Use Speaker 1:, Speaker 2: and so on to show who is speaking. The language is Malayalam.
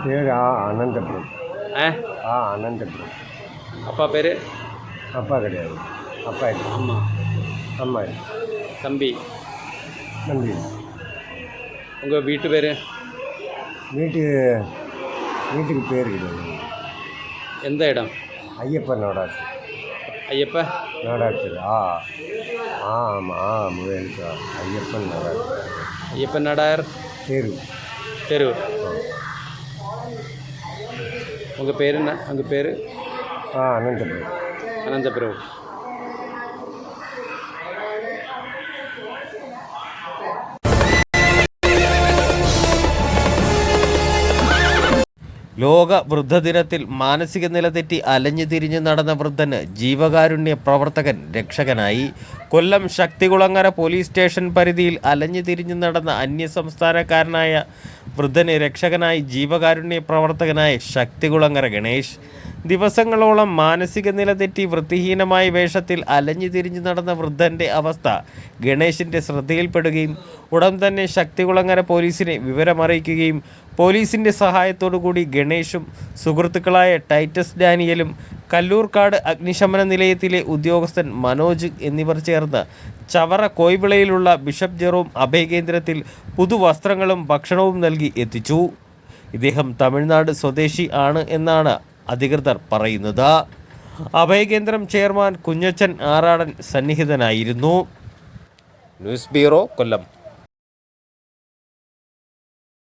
Speaker 1: പേര് അനന്തപുരം. അനന്തപുരം.
Speaker 2: அப்பா பேர்?
Speaker 1: அப்பா கிடையாது. அப்பா இல்லை.
Speaker 2: அம்மா?
Speaker 1: அம்மா.
Speaker 2: தம்பி?
Speaker 1: தம்பி.
Speaker 2: உங்கள் வீட்டு பேர்?
Speaker 1: வீட்டுக்கு பேர் கிடையாது.
Speaker 2: எந்த இடம்?
Speaker 1: ஐயப்பன் நாடாச்சு.
Speaker 2: ஐயப்ப
Speaker 1: நாடாச்சு. ஆமாம் முயலுக்கா ஐயப்பன் நாடார்.
Speaker 2: ஐயப்பன் நாடார்
Speaker 1: தெரு.
Speaker 2: தெரு. உங்கள் பேர் என்ன? உங்கள் பேர்?
Speaker 1: அனந்தபுரம்.
Speaker 2: அனந்தபுரம்.
Speaker 3: ലോക വൃദ്ധദിനത്തിൽ മാനസിക നില തെറ്റി അലഞ്ഞു തിരിഞ്ഞു നടന്ന വൃദ്ധന് ജീവകാരുണ്യ പ്രവർത്തകൻ രക്ഷകനായി. കൊല്ലം ശക്തികുളങ്ങര പോലീസ് സ്റ്റേഷൻ പരിധിയിൽ അലഞ്ഞു തിരിഞ്ഞു നടന്ന അന്യസംസ്ഥാനക്കാരനായ വൃദ്ധന് രക്ഷകനായി ജീവകാരുണ്യ പ്രവർത്തകനായ ശക്തികുളങ്ങര ഗണേഷ്. ദിവസങ്ങളോളം മാനസിക നില തെറ്റി വൃത്തിഹീനമായ വേഷത്തിൽ അലഞ്ഞു തിരിഞ്ഞു നടന്ന വൃദ്ധൻ്റെ അവസ്ഥ ഗണേഷിൻ്റെ ശ്രദ്ധയിൽപ്പെടുകയും ഉടൻ തന്നെ ശക്തികുളങ്ങര പോലീസിനെ വിവരമറിയിക്കുകയും പോലീസിൻ്റെ സഹായത്തോടുകൂടി ഗണേഷും സുഹൃത്തുക്കളായ ടൈറ്റസ് ഡാനിയലും കല്ലൂർക്കാട് അഗ്നിശമന നിലയത്തിലെ ഉദ്യോഗസ്ഥൻ മനോജ് എന്നിവർ ചേർന്ന് ചവറ കോയിവിളയിലുള്ള ബിഷപ്പ് ജെറോം അഭയകേന്ദ്രത്തിൽ പുതുവസ്ത്രങ്ങളും ഭക്ഷണവും നൽകി എത്തിച്ചു. ഇദ്ദേഹം തമിഴ്നാട് സ്വദേശി ആണ് എന്നാണ് അധികൃതർ പറയുന്നത്. അഭയകേന്ദ്രം ചെയർമാൻ കുഞ്ഞച്ചൻ ആറാടൻ സന്നിഹിതനായിരുന്നു. ന്യൂസ് ബ്യൂറോ, കൊല്ലം.